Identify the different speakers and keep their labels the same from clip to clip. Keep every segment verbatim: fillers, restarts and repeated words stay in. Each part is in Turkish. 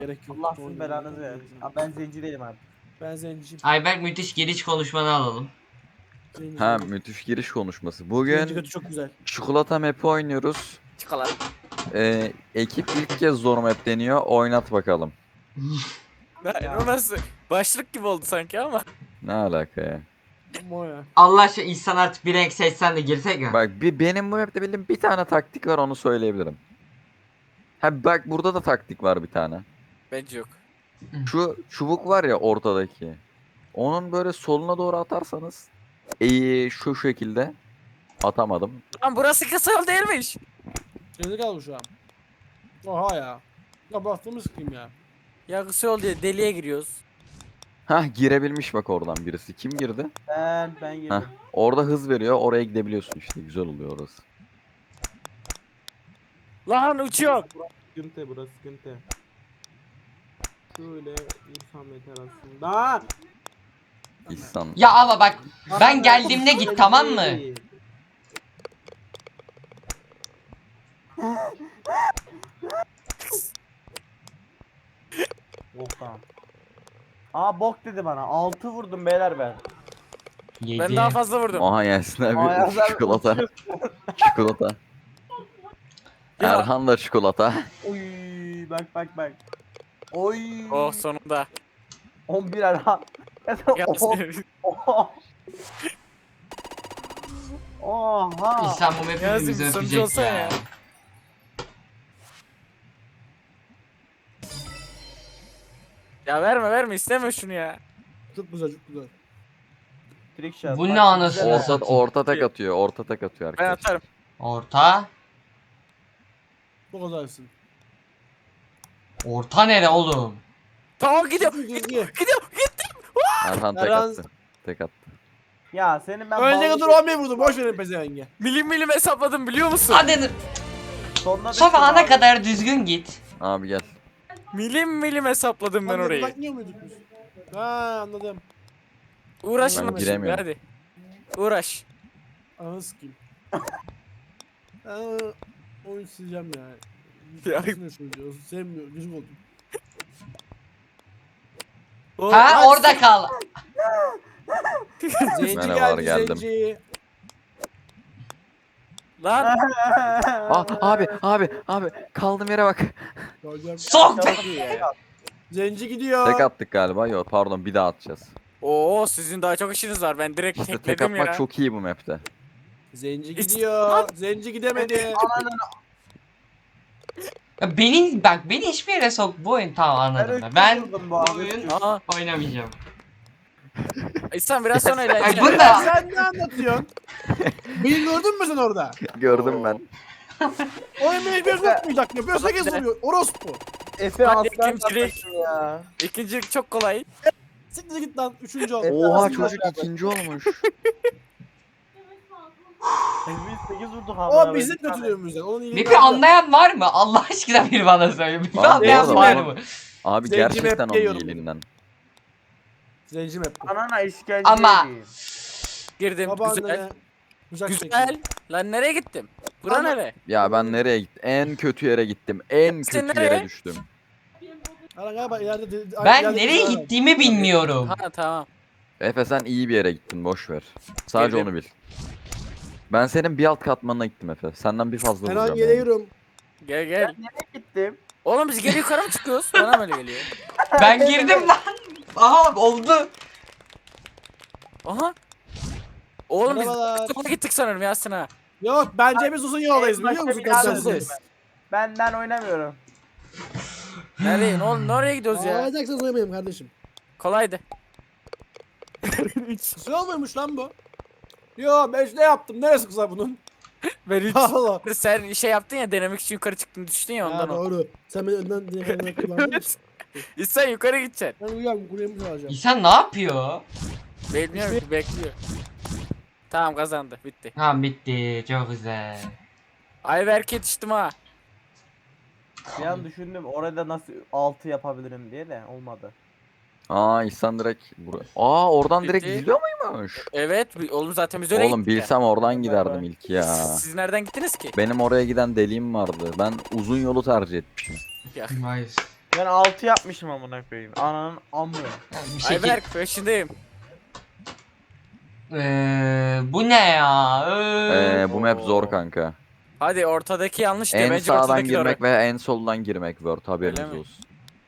Speaker 1: Gerek yok.
Speaker 2: Allah sizin
Speaker 1: Oyun
Speaker 2: belanızı
Speaker 1: oynamak
Speaker 2: versin.
Speaker 1: gerekiyor.
Speaker 2: Abi ben zenci değilim abi.
Speaker 1: Ben zenciyim.
Speaker 3: Ayberk müthiş giriş konuşmanı alalım.
Speaker 1: Zenci.
Speaker 4: Ha, müthiş giriş konuşması.
Speaker 1: Zenci
Speaker 4: Bugün
Speaker 1: götü çok güzel.
Speaker 4: çikolata map'i oynuyoruz.
Speaker 2: Çıkalar.
Speaker 4: Ee, ekip ilk kez zor map deniyor. Oynat bakalım.
Speaker 2: Ya.
Speaker 5: O nasıl? Başlık gibi oldu sanki ama.
Speaker 4: Ne alaka ya?
Speaker 1: Moya.
Speaker 3: Allah aşkına insan artık bir renk seçsen de girsek mi?
Speaker 4: Bak bir benim bu map'te bildiğim bir tane taktik var, onu söyleyebilirim. Ha bak, burada da taktik var bir tane.
Speaker 5: Bence yok.
Speaker 4: Şu çubuk var ya ortadaki. Onun böyle soluna doğru atarsanız iyi şu şekilde atamadım.
Speaker 5: Lan burası kısa yol değilmiş.
Speaker 1: Şeyde kaldı şu an. Oha ya. Ya baktığımız kim ya?
Speaker 5: Ya kısa yol diye deliğe giriyoruz.
Speaker 4: Hah, girebilmiş bak oradan birisi. Kim girdi?
Speaker 2: Ben ben girdim.
Speaker 4: Hah, orada hız veriyor, oraya gidebiliyorsun işte, güzel oluyor orası.
Speaker 5: Lan uçuyor.
Speaker 2: Sıkıntı burası sıkıntı. Şöyle insan meter aslında.
Speaker 4: İhsan.
Speaker 3: Ya ama bak ben geldiğimde git, tamam mı?
Speaker 2: Bok tamam. Aa bok dedi bana. altı vurdum beyler ben.
Speaker 3: Yedi.
Speaker 5: Ben daha fazla vurdum.
Speaker 4: Oha Yasin abi,
Speaker 2: Aa, Yasin abi
Speaker 4: çikolata. Çikolata.
Speaker 5: Ya.
Speaker 4: Erhan da çikolata.
Speaker 2: Oy bak bak bak. Oy.
Speaker 5: Oh sonunda.
Speaker 2: on bir Erhan.
Speaker 5: Yasin.
Speaker 2: Oha. Oha.
Speaker 3: İnsan bu map'i
Speaker 5: Yazın,
Speaker 3: bize
Speaker 5: sonucu
Speaker 3: öpecek
Speaker 5: olsa
Speaker 3: ya.
Speaker 5: ya. Ya verme verme isteme şunu ya.
Speaker 1: Çok güzel çok güzel.
Speaker 2: Trick shot.
Speaker 3: Bu
Speaker 2: Bak,
Speaker 3: ne anasını
Speaker 2: güzel.
Speaker 4: Orta,
Speaker 3: satayım.
Speaker 4: orta tek atıyor, orta tek atıyor
Speaker 5: Ben
Speaker 4: arkadaşlar.
Speaker 5: atarım.
Speaker 3: Orta.
Speaker 1: Bu kadarsın.
Speaker 3: Orta nere oğlum?
Speaker 5: Tamam gidiyor.
Speaker 1: Gidiyor.
Speaker 5: Gidiyor. Gidiyor.
Speaker 4: Erhan tek
Speaker 1: Erhan-
Speaker 4: attı. Tek attı.
Speaker 2: Ya senin ben
Speaker 1: Önce
Speaker 2: bağlı-
Speaker 1: kadar on bir vurdum. Boş verin pezevenge.
Speaker 5: Milim milim hesapladım biliyor musun?
Speaker 3: Hadi
Speaker 2: Sonuna
Speaker 3: Sofa
Speaker 2: düştüm
Speaker 3: ana
Speaker 2: abi.
Speaker 3: kadar düzgün git.
Speaker 4: Abi gel.
Speaker 5: Milim milim hesapladım ben
Speaker 1: Lan
Speaker 5: orayı.
Speaker 1: bakmıyor muyduk biz? Ha anladım.
Speaker 5: Uğraşın
Speaker 1: Ben
Speaker 5: şimdi
Speaker 4: giremiyorum.
Speaker 5: hadi. Uğraş.
Speaker 1: Ananı sikeyim. Aa, oyun sileceğim ya.
Speaker 5: Ya.
Speaker 1: Ya. Sevmiyor. Gıcık oldum.
Speaker 5: O-
Speaker 3: Ha
Speaker 5: Lan
Speaker 3: orada kal.
Speaker 1: Zenci
Speaker 4: Merhabalar,
Speaker 1: geldi
Speaker 4: geldim.
Speaker 1: zenci.
Speaker 5: Lan
Speaker 4: Aa, abi abi abi kaldığım yere bak.
Speaker 1: Geleceğim.
Speaker 3: Sok.
Speaker 5: çok iyi ya.
Speaker 1: Zenci gidiyor.
Speaker 4: Tek attık galiba. Yok pardon, bir daha atacağız.
Speaker 5: Oo sizin daha çok işiniz var. Ben direkt
Speaker 4: İşte tek
Speaker 5: tekledim
Speaker 4: atmak
Speaker 5: ya.
Speaker 4: çok iyi bu map'te.
Speaker 1: Zenci gidiyor. Zenci gidemedi.
Speaker 2: Ananı
Speaker 3: Ya beni bak beni hiçbir yere sok, bu oyun tamam anladım ben. Ben
Speaker 2: vurdum bu
Speaker 3: bu
Speaker 2: abi.
Speaker 3: oyun
Speaker 5: Aa,
Speaker 3: oynamayacağım.
Speaker 5: İhsan biraz sonra
Speaker 3: Ay
Speaker 5: ilerleyeceğim.
Speaker 3: bu da
Speaker 1: Sen ne anlatıyorsun? Beni gördün mü sen orada?
Speaker 4: Gördüm ben.
Speaker 1: Oyun beni bir tutmayacak. Yapıyorsa herkes vuruyor. Orospu.
Speaker 2: Efe
Speaker 5: Hadi
Speaker 2: aslan
Speaker 5: ikincilik.
Speaker 2: kardeşim ya.
Speaker 5: İkincilik çok kolay.
Speaker 1: Siktir git lan. Üçüncü oldu.
Speaker 4: Oha,
Speaker 2: Aslında
Speaker 4: çocuk
Speaker 2: beraber.
Speaker 4: ikinci olmuş.
Speaker 2: Biz sekiz vurduk abi.
Speaker 1: O bizim kötülüğümüzden. Onun iyiliğini
Speaker 3: map'i anlayan var mı? Allah aşkına bir bana söyle. Map'i
Speaker 4: Abi,
Speaker 3: anlayan
Speaker 4: bu
Speaker 3: var
Speaker 4: arada
Speaker 3: mı?
Speaker 4: Abi
Speaker 1: Zenci
Speaker 4: gerçekten
Speaker 1: map
Speaker 4: onun
Speaker 1: yiyorum.
Speaker 4: iyiliğinden.
Speaker 1: Zenci map. bu.
Speaker 2: Anana işkence
Speaker 3: Ama-
Speaker 2: edeyim.
Speaker 5: Girdim
Speaker 1: Babaannene
Speaker 5: güzel.
Speaker 1: bıçak
Speaker 5: Güzel.
Speaker 1: çekiyor.
Speaker 5: Lan nereye gittim? Bura
Speaker 1: Ama-
Speaker 5: nere?
Speaker 4: Ya ben nereye gittim? En kötü yere gittim. En
Speaker 5: Sen
Speaker 4: kötü
Speaker 5: nereye?
Speaker 4: yere düştüm.
Speaker 1: Ana galiba ileride... de-
Speaker 3: Ben
Speaker 1: ileride
Speaker 3: nereye
Speaker 1: bir-
Speaker 3: gittiğimi bilmiyorum.
Speaker 5: Ha tamam.
Speaker 4: Efe sen iyi bir yere gittin, boş ver. Sadece
Speaker 5: Girdim.
Speaker 4: onu bil. Ben senin bir alt katmanına gittim Efe. Senden bir fazla
Speaker 1: Her an
Speaker 4: vuracağım yani.
Speaker 1: geliyorum.
Speaker 5: Gel gel.
Speaker 2: Nereye gittim?
Speaker 5: Oğlum biz geri yukarı mı çıkıyoruz? Bana mı öyle geliyor?
Speaker 3: Ben girdim lan. Aha oldu.
Speaker 5: Aha. Oğlum biz
Speaker 1: Merhabalar.
Speaker 5: sola gittik sanırım Yasin ha.
Speaker 1: Yok bence biz uzun yoldayız
Speaker 2: En
Speaker 1: biliyor
Speaker 2: başta
Speaker 1: musun?
Speaker 2: bir daha
Speaker 1: Kaçacağız.
Speaker 5: döneceğiz.
Speaker 2: Ben ben oynamıyorum.
Speaker 5: Nereye? Ne oğlum nereye gidiyoruz ya?
Speaker 1: Ağlayacaksanız oynamayayım kardeşim.
Speaker 5: Kolaydı.
Speaker 1: Kısa olmuyormuş lan bu. Yo ben ne yaptım? Neresi kısa bunun?
Speaker 5: Ben hiç.
Speaker 1: Allah.
Speaker 5: Sen şey yaptın ya denemek için yukarı çıktın düştün ya
Speaker 1: Ya
Speaker 5: ondan o.
Speaker 1: doğru. Sen beni önden diye kullandın.
Speaker 5: Evet. İhsan yukarı gideceksin.
Speaker 1: Ben uyuyorum kulemi alacağım.
Speaker 3: İnsan ne yapıyor?
Speaker 5: Bekliyor bekliyor. Tamam kazandı bitti.
Speaker 3: Tamam bitti, çok güzel.
Speaker 5: Ayberk yetiştim ha.
Speaker 2: Bir an düşündüm orada nasıl altı yapabilirim diye de olmadı.
Speaker 4: Aa İhsan direkt buraya. Aa oradan direkt
Speaker 5: Bitti.
Speaker 4: gidiyor muymuş?
Speaker 5: Evet bi- oğlum zaten biz öyle
Speaker 4: Oğlum
Speaker 5: gittik ya.
Speaker 4: bilsem oradan giderdim ilk ya.
Speaker 5: Siz, siz nereden gittiniz ki?
Speaker 4: Benim oraya giden deliğim vardı. Ben uzun yolu tercih etmişim.
Speaker 5: Ya.
Speaker 3: Hayır.
Speaker 2: Ben altı yapmışım amına koyayım. Ananın amı.
Speaker 3: Bir şekil.
Speaker 5: Ayberk peşindeyim.
Speaker 3: Ee, bu ne ya? Ee,
Speaker 4: Ee, bu map zor kanka.
Speaker 5: Hadi ortadaki yanlış diyor.
Speaker 4: En
Speaker 5: Bence
Speaker 4: sağdan
Speaker 5: ortadaki doğru.
Speaker 4: girmek ve en soldan girmek Word haberiniz
Speaker 5: Öyle mi?
Speaker 4: olsun.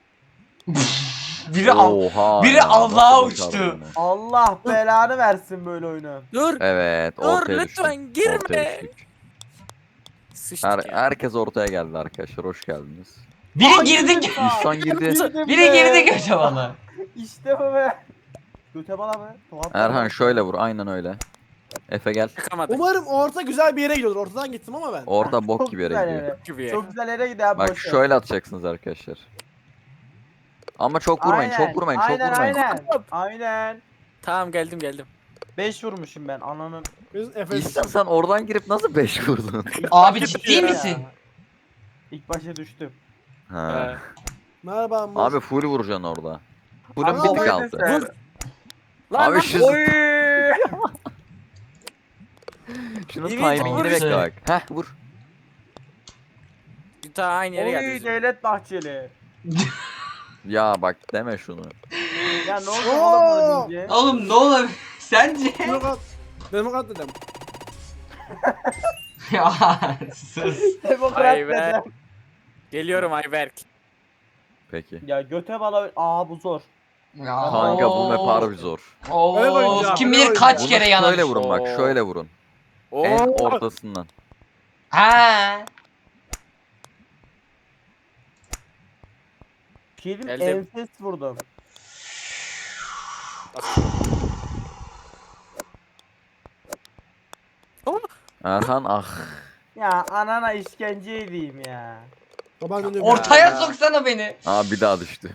Speaker 3: biri al.
Speaker 4: Oha
Speaker 3: biri
Speaker 4: ya,
Speaker 3: Allah'a
Speaker 4: nasıl başardın
Speaker 3: uçtu.
Speaker 4: bunu?
Speaker 2: Allah belanı versin böyle oyunu.
Speaker 5: Dur.
Speaker 4: Evet
Speaker 5: Dur
Speaker 4: ortaya
Speaker 5: lütfen
Speaker 4: düştük. Ortaya
Speaker 5: girme.
Speaker 4: düştük.
Speaker 5: Sıçtık
Speaker 4: Her,
Speaker 5: ya.
Speaker 4: herkes ortaya geldi arkadaşlar. Hoş geldiniz.
Speaker 3: Biri girdi.
Speaker 4: İhsan girdi.
Speaker 2: Girdim
Speaker 3: Biri
Speaker 2: be.
Speaker 3: girdi göte bana.
Speaker 2: İşte bu be. Göte bala be. Tuhaf
Speaker 4: Erhan
Speaker 2: bala.
Speaker 4: şöyle vur. Aynen öyle. Efe gel.
Speaker 5: Çıkamadık.
Speaker 1: Umarım orta güzel bir yere gidiyordur. Ortadan gittim ama ben.
Speaker 4: Orada bok
Speaker 2: Çok
Speaker 4: gibi yere
Speaker 2: güzel
Speaker 4: gidiyor.
Speaker 2: yere.
Speaker 5: Gibi.
Speaker 2: Çok güzel yere gidiyor abi.
Speaker 4: Bak
Speaker 2: boş ver.
Speaker 4: şöyle atacaksınız arkadaşlar. Ama çok vurmayın,
Speaker 2: Aynen,
Speaker 4: çok vurmayın, çok
Speaker 2: aynen,
Speaker 4: vurmayın.
Speaker 2: Aynen aynen.
Speaker 5: Tamam geldim geldim.
Speaker 2: beş vurmuşum ben ananın.
Speaker 1: Biz Efe.
Speaker 4: İhsan sen oradan girip nasıl beş vurdun?
Speaker 3: Abi ciddi
Speaker 2: Ya.
Speaker 3: misin?
Speaker 2: İlk başa düştüm.
Speaker 4: Ha.
Speaker 5: Ee,
Speaker 1: Merhaba Amur.
Speaker 4: Abi full vuracaksın orada. Full'ün
Speaker 2: Ama
Speaker 4: bir tık
Speaker 2: oyun
Speaker 4: altı.
Speaker 2: sen-
Speaker 5: Vur. Lan
Speaker 4: Abi
Speaker 5: lan.
Speaker 4: şu
Speaker 2: Oy!
Speaker 4: şunun
Speaker 5: Evet,
Speaker 4: timingini
Speaker 3: vur
Speaker 4: bekle
Speaker 3: işte.
Speaker 4: bak. Heh vur.
Speaker 5: Bir daha aynı yere
Speaker 2: Oy
Speaker 5: geldi.
Speaker 2: Devlet Bahçeli.
Speaker 4: Ya bak deme şunu.
Speaker 2: Ya ne oldu
Speaker 1: Oo!
Speaker 2: oğlum bunu deyince?
Speaker 3: Oğlum ne olabilir? Sence?
Speaker 1: Demokrat. Demokrat dedim.
Speaker 3: ya sus.
Speaker 2: Demokrat
Speaker 5: Ay be.
Speaker 2: dedim.
Speaker 5: Geliyorum Ayberk.
Speaker 4: Peki.
Speaker 2: Ya göte bala. Aa bu zor.
Speaker 3: Ya,
Speaker 4: Kanka bu map
Speaker 3: oo.
Speaker 4: harbi zor.
Speaker 3: Oo,
Speaker 1: Öyle oynayacağım,
Speaker 3: kim
Speaker 1: öyle
Speaker 3: bilir kaç
Speaker 4: Bunu
Speaker 3: kere
Speaker 4: şöyle
Speaker 3: yanamış.
Speaker 4: vurun bak,
Speaker 5: Oo.
Speaker 4: şöyle vurun.
Speaker 5: Oo.
Speaker 4: En ortasından.
Speaker 3: Ha.
Speaker 2: Kelim
Speaker 5: Geldim.
Speaker 2: enfes vurdum.
Speaker 4: Erhan ah.
Speaker 2: Ya anana işkence edeyim ya.
Speaker 1: Baban dönüyor.
Speaker 3: Ortaya
Speaker 5: Ya.
Speaker 3: soksana beni.
Speaker 4: Aa bir daha düştü.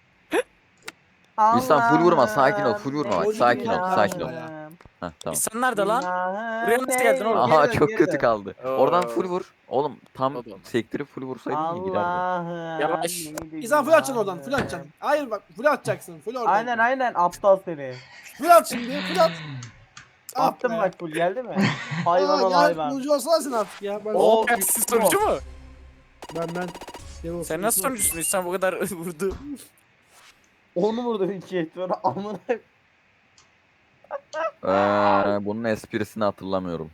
Speaker 4: İnsan full vurma, sakin ol, full vurma bak,
Speaker 1: sakin ol, sakin ol.
Speaker 4: Heh tamam.
Speaker 5: İnsan nerede lan? Buraya nasıl geldin oğlum?
Speaker 4: Aha çok kötü kaldı.
Speaker 5: Oo.
Speaker 4: Oradan full vur. Oğlum tam
Speaker 5: Oğlum.
Speaker 4: sektirip full vursaydın iyi giderdi.
Speaker 2: Allah'ım.
Speaker 5: Yavaş.
Speaker 1: İnsan full atacaksın oradan. Full atacaksın. Hayır bak full atacaksın. Full oradan.
Speaker 2: Aynen aynen aptal seni.
Speaker 1: Full at şimdi. Full at. Ah
Speaker 2: Attım
Speaker 1: be.
Speaker 2: bak full geldi mi? Hayvan ol
Speaker 1: Aa, gel,
Speaker 2: hayvan.
Speaker 1: sunucu olsana sen artık ya. Ben,
Speaker 2: Oo.
Speaker 5: Oo, siz sonucu mu?
Speaker 1: ben, ben. Devam
Speaker 5: Sen nasıl sonucusun? İnsan bu kadar vurdu.
Speaker 2: Onu vurdum iki et sonra amına.
Speaker 4: Ee, bunun esprisini hatırlamıyorum.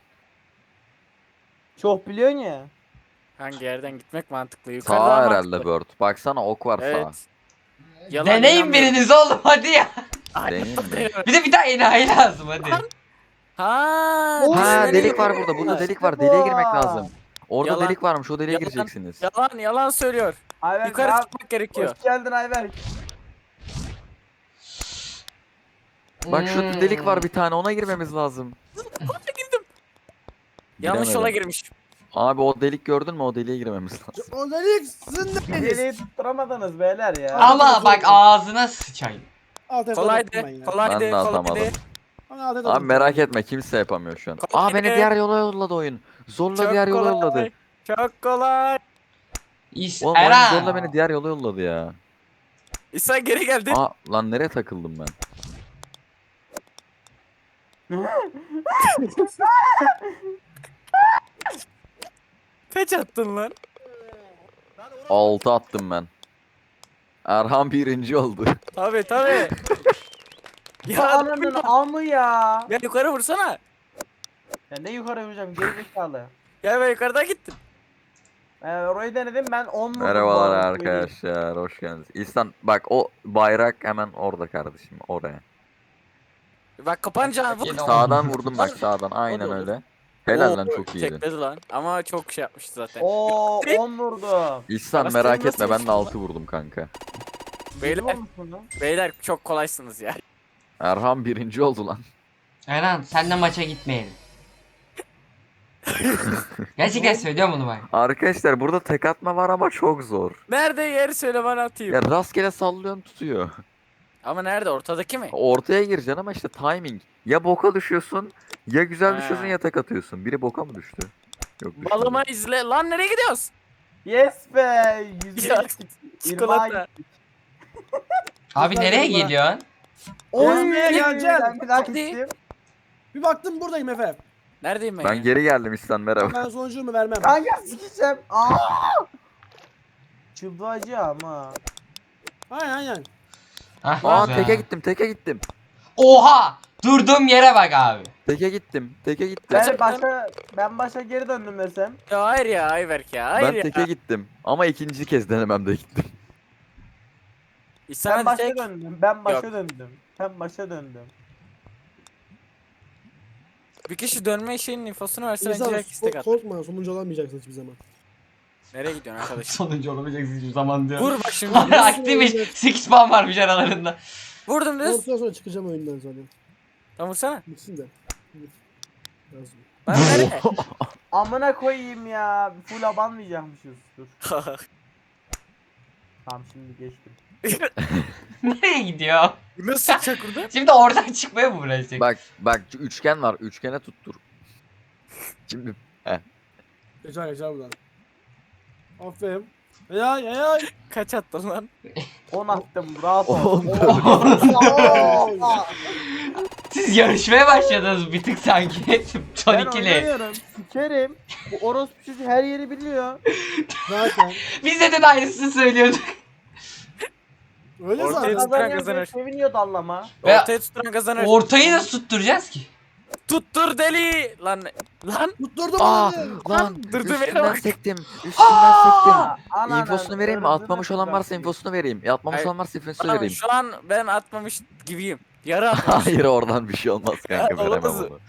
Speaker 2: Çok biliyorsun ya.
Speaker 5: Hangi yerden gitmek mantıklı? Yukarıdan
Speaker 4: Sağ
Speaker 5: mantıklı.
Speaker 4: herhalde Bird. Baksana ok var
Speaker 5: Evet.
Speaker 4: sağ.
Speaker 5: Yalan
Speaker 3: Deneyin
Speaker 5: inanmıyorum.
Speaker 3: biriniz oğlum hadi ya.
Speaker 5: Ay,
Speaker 4: Deneyim mi?
Speaker 5: deneme.
Speaker 3: Bir de bir daha enayi lazım hadi.
Speaker 5: Ha,
Speaker 4: Ha
Speaker 5: nereye
Speaker 4: delik var
Speaker 5: gidiyor?
Speaker 4: burada. Burada delik var.
Speaker 2: İşte
Speaker 4: Deliğe
Speaker 2: bu.
Speaker 4: girmek lazım. Orada
Speaker 5: Yalan.
Speaker 4: delik varmış. O deliğe
Speaker 5: Yalan.
Speaker 4: gireceksiniz.
Speaker 5: Yalan yalan söylüyor.
Speaker 2: Ayberk
Speaker 5: Yukarı
Speaker 2: abi,
Speaker 5: çıkmak gerekiyor.
Speaker 2: hoş geldin Ayberk.
Speaker 4: Bak şurada delik
Speaker 3: Hmm.
Speaker 4: var bir tane. Ona girmemiz lazım.
Speaker 5: Yanlış yola
Speaker 4: Giremedim.
Speaker 5: girmiş.
Speaker 4: Abi o delik gördün mü? O deliğe girmemiz lazım.
Speaker 1: O delik sizin de deniz.
Speaker 2: Deliği tutturamadınız beyler ya.
Speaker 3: Ama bak ağzına sıçayım.
Speaker 1: Alt et
Speaker 5: Kolaydı.
Speaker 1: ben ya.
Speaker 4: Ben
Speaker 5: Kolaydı.
Speaker 4: de atamadım.
Speaker 5: Kolaydı.
Speaker 1: Bana alt et
Speaker 4: Abi
Speaker 1: oldum.
Speaker 4: merak etme kimse yapamıyor şu an.
Speaker 5: Kolay
Speaker 4: Aa beni
Speaker 5: değil.
Speaker 4: diğer yola yolladı oyun. Zorla
Speaker 5: Çok
Speaker 4: diğer yola
Speaker 5: kolay.
Speaker 4: yolladı.
Speaker 5: Çok kolay.
Speaker 3: İs
Speaker 4: Oğlum oyun
Speaker 3: Eren.
Speaker 4: zorla beni diğer yola yolladı ya.
Speaker 5: İnsan geri geldi.
Speaker 4: Aa lan nereye takıldım ben?
Speaker 5: Kaç attın lan?
Speaker 4: Altı attım ben. Erhan birinci oldu.
Speaker 5: Tabi tabi.
Speaker 2: Ya
Speaker 5: ya,
Speaker 2: ananın amı ya.
Speaker 5: ya yukarı vursana.
Speaker 2: Ya ne yukarı vuracağım geri zekalı.
Speaker 5: Ya ben yukarıdan gittim.
Speaker 2: Ee, orayı denedim ben on vurdum. bu
Speaker 4: Merhabalar
Speaker 2: arada,
Speaker 4: arkadaşlar. Hoş geldiniz. İhsan bak o bayrak hemen orada kardeşim. Oraya.
Speaker 5: Bak kapanca vur.
Speaker 3: Yine o-
Speaker 4: Sağdan vurdum bak sağdan. Aynen
Speaker 5: olur.
Speaker 4: öyle. Helal lan
Speaker 5: Oo,
Speaker 4: çok iyiydin.
Speaker 5: Tekledi lan. Ama çok şey yapmıştı zaten.
Speaker 2: Oo on vurdum.
Speaker 4: İhsan
Speaker 5: Arası
Speaker 4: merak
Speaker 5: nasıl
Speaker 4: etme ben de
Speaker 5: vursun
Speaker 4: altı vurdum kanka.
Speaker 5: Beyler,
Speaker 2: Yedi vurmuşsun lan.
Speaker 5: beyler çok kolaysınız ya.
Speaker 4: Erhan birinci oldu lan.
Speaker 3: Eren sen de maça gitmeyelim. Gerçekten söylüyorum bunu bak.
Speaker 4: Arkadaşlar burada tek atma var ama çok zor.
Speaker 5: Nerede yeri söyle bana atayım.
Speaker 4: Ya rastgele sallıyorsun tutuyor.
Speaker 5: Ama nerede? Ortadaki mi?
Speaker 4: Ortaya gireceksin ama işte timing. Ya boka düşüyorsun ya güzel
Speaker 5: Ha.
Speaker 4: düşüyorsun ya tek atıyorsun. Biri boka mı düştü? Yok düşmedi.
Speaker 5: Balıma izle. Lan nereye gidiyoruz?
Speaker 2: Yes be. Yüzüne
Speaker 5: Ya,
Speaker 2: gittik.
Speaker 5: Çikolata.
Speaker 3: Abi
Speaker 1: Güzel
Speaker 3: nereye
Speaker 1: yolla.
Speaker 3: gidiyorsun?
Speaker 2: Oy
Speaker 1: Nereye geleceksin?
Speaker 2: Ben bir daha
Speaker 5: Hadi.
Speaker 2: gittim.
Speaker 1: Bir baktım buradayım Efe.
Speaker 5: Neredeyim ben,
Speaker 4: Ben
Speaker 5: ya?
Speaker 4: geri geldim İhsan merhaba.
Speaker 1: Ben sonucumu vermem.
Speaker 2: Kanka sikeceğim. Aa! Çıldıracağım ha.
Speaker 1: Aynen aynen.
Speaker 3: Hah,
Speaker 4: Aa
Speaker 3: güzel.
Speaker 4: teke gittim teke gittim.
Speaker 3: Oha! Durduğum yere bak abi.
Speaker 4: Teke gittim teke gittim.
Speaker 2: Ben
Speaker 5: Gerçekten-
Speaker 2: başa ben başa geri döndüm desem.
Speaker 5: Ya hayır ya Ayberk ya. Hayır
Speaker 4: Ben
Speaker 5: ya.
Speaker 4: teke gittim. Ama ikinci kez denememde gittim.
Speaker 5: İhsan
Speaker 2: Ben
Speaker 5: hadi
Speaker 2: başa
Speaker 5: tek.
Speaker 2: döndüm. Ben başa
Speaker 5: Yok.
Speaker 2: döndüm. Ben başa döndüm.
Speaker 5: Bir kişi dönme şeyinin infosunu verse bence
Speaker 1: İnsan
Speaker 5: herkes tek at.
Speaker 1: korkma sonuncu olamayacaksın hiçbir zaman.
Speaker 5: Nereye gidiyorsun arkadaş?
Speaker 3: Sonuncu olamayacaksın hiçbir zaman diyor.
Speaker 5: Vur bak şimdi.
Speaker 3: Aktifmiş. sekiz puan varmış aralarında.
Speaker 5: Vurdum düz.
Speaker 1: Ondan sonra çıkacağım oyundan sonra.
Speaker 5: Tamam vursana.
Speaker 1: Bitsin de. Yazdım.
Speaker 5: Lan nereye?
Speaker 2: Amına koyayım ya. Full abanmayacakmışız. Dur. Tamam şimdi geçtim.
Speaker 3: Nereye gidiyor?
Speaker 5: Nasıl çıkacak burada?
Speaker 3: Şimdi oradan çıkmaya mı uğraşacak?
Speaker 4: Bak bak şu üçgen var. Üçgene tuttur. Şimdi
Speaker 1: Geçer geçer buradan. Aferin. Hayay hayay.
Speaker 5: Kaç attın lan?
Speaker 2: on attım. Rahat ol.
Speaker 4: on
Speaker 3: Siz yarışmaya başladınız bir tık sanki. Son
Speaker 2: Ben
Speaker 3: ikili.
Speaker 2: oynamıyorum. Sikerim. Bu orospu çocuğu her yeri biliyor.
Speaker 1: Zaten.
Speaker 3: Biz de de aynısını söylüyorduk.
Speaker 1: Öyle
Speaker 5: Ortaya
Speaker 1: zaten.
Speaker 5: tut.
Speaker 2: Kazanıyor
Speaker 5: kazanır.
Speaker 2: diye seviniyor dallama.
Speaker 3: Ve
Speaker 5: Ortaya tutturan kazanır.
Speaker 3: ortayı nasıl tutturacağız ki?
Speaker 5: Tuttur deli. Lan lan.
Speaker 1: Tutturdum
Speaker 4: Aa
Speaker 1: onu.
Speaker 4: lan
Speaker 5: Durdu beni
Speaker 4: üstünden
Speaker 5: bak.
Speaker 4: sektim. Üstünden sektim.
Speaker 2: Ananı
Speaker 4: İnfosunu vereyim mi?
Speaker 2: öldürdüm
Speaker 4: Atmamış olan varsa
Speaker 2: ben.
Speaker 4: infosunu vereyim. E, Atmamış
Speaker 5: Hayır.
Speaker 4: olan varsa infosunu
Speaker 5: Tamam,
Speaker 4: vereyim.
Speaker 5: şu an ben atmamış gibiyim. Yarı atmamış.
Speaker 4: Hayır oradan bir şey olmaz kanka
Speaker 5: Ya,
Speaker 4: veremem
Speaker 5: olamaz.
Speaker 4: onu.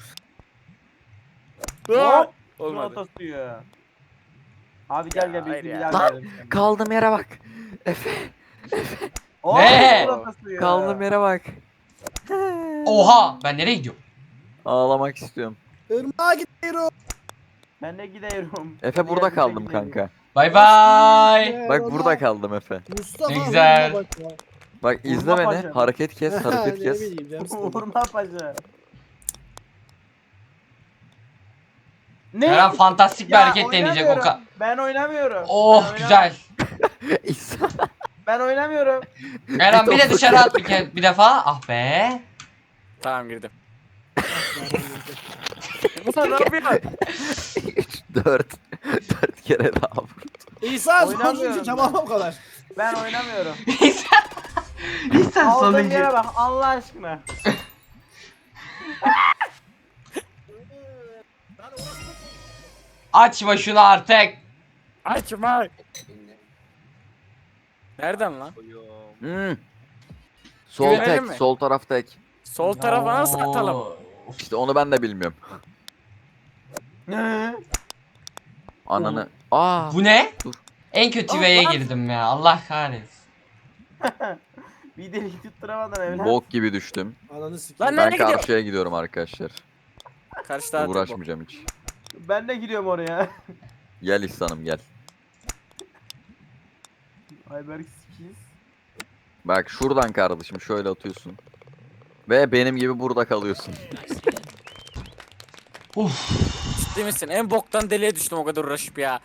Speaker 5: Hop.
Speaker 2: Olmadı.
Speaker 5: Olmadı.
Speaker 2: Abi gel gel
Speaker 5: hayır
Speaker 2: bir
Speaker 5: ya.
Speaker 2: gel.
Speaker 4: Lan,
Speaker 2: gel.
Speaker 4: Kaldığım yere bak. Efe
Speaker 2: Oo,
Speaker 3: Ne?
Speaker 2: ortası ya.
Speaker 4: kaldığım yere bak.
Speaker 3: Oha! Ben nereye gidiyorum?
Speaker 4: Ağlamak istiyorum.
Speaker 1: Irmağa gidiyorum.
Speaker 2: Ben de gidiyorum.
Speaker 4: Efe
Speaker 2: Hadi
Speaker 4: burada
Speaker 2: gel,
Speaker 4: kaldım
Speaker 2: biz de gidelim.
Speaker 4: kanka.
Speaker 3: Bay bay.
Speaker 1: Ee,
Speaker 4: Bak
Speaker 1: ona-
Speaker 4: burada kaldım Efe.
Speaker 1: Mustafa.
Speaker 3: Ne güzel.
Speaker 1: hırma bak ya.
Speaker 4: Bak izle
Speaker 2: Vurma
Speaker 4: beni.
Speaker 2: paşa.
Speaker 4: Hareket kes, hareket
Speaker 1: Ne
Speaker 4: kes.
Speaker 1: bileyim canım sıkıldı.
Speaker 2: Vurma paşa. Ne?
Speaker 3: Eren fantastik bir
Speaker 2: Ya,
Speaker 3: hareket deneyecek o
Speaker 2: oynamıyorum.
Speaker 3: ka...
Speaker 2: Ben oynamıyorum.
Speaker 3: Oh
Speaker 2: Ben
Speaker 3: güzel.
Speaker 4: İhsan.
Speaker 2: Ben oynamıyorum.
Speaker 3: Eren bir de dışarı at bir, ke- bir defa. Ah be.
Speaker 5: Tamam girdim. Ulan ne yapıyorsun?
Speaker 4: üç, dört. dört kere daha vur.
Speaker 1: İsa
Speaker 2: Oynamıyorum
Speaker 1: sonuncu
Speaker 2: ben.
Speaker 1: tamam o kadar.
Speaker 2: Ben oynamıyorum.
Speaker 3: İhsan. İhsan
Speaker 2: Aldığın
Speaker 3: sonuncu.
Speaker 2: yere bak Allah aşkına.
Speaker 3: Açma şunu artık.
Speaker 5: Açma. Nereden lan?
Speaker 4: Hmm. Sol
Speaker 5: Güvenelim
Speaker 4: tek,
Speaker 5: mi?
Speaker 4: sol taraf tek.
Speaker 5: Sol tarafa nasıl
Speaker 3: Oo.
Speaker 5: atalım?
Speaker 4: İşte onu ben de bilmiyorum.
Speaker 2: Ne?
Speaker 4: Ananı. Aa.
Speaker 3: Bu ne?
Speaker 4: Dur.
Speaker 3: En kötü
Speaker 5: Aa,
Speaker 3: V'ye
Speaker 5: lan.
Speaker 3: girdim ya. Allah kahretsin.
Speaker 2: Bir delik tutturamadın evlat.
Speaker 4: Bok gibi düştüm.
Speaker 1: Ananı sikeyim.
Speaker 5: Lan
Speaker 4: Ben
Speaker 5: nereye gidiyor?
Speaker 4: karşıya gidiyorum arkadaşlar.
Speaker 5: Karşıda atıyor bu.
Speaker 4: Uğraşmayacağım hiç.
Speaker 2: Ben de giriyorum oraya.
Speaker 4: Gel İhsan'ım gel.
Speaker 2: Ayberk sikiz.
Speaker 4: Bak şuradan kardeşim şöyle atıyorsun. Ve benim gibi burada kalıyorsun.
Speaker 3: Uf.
Speaker 5: Ciddi misin? En boktan deliğe düştüm o kadar uğraşıp ya.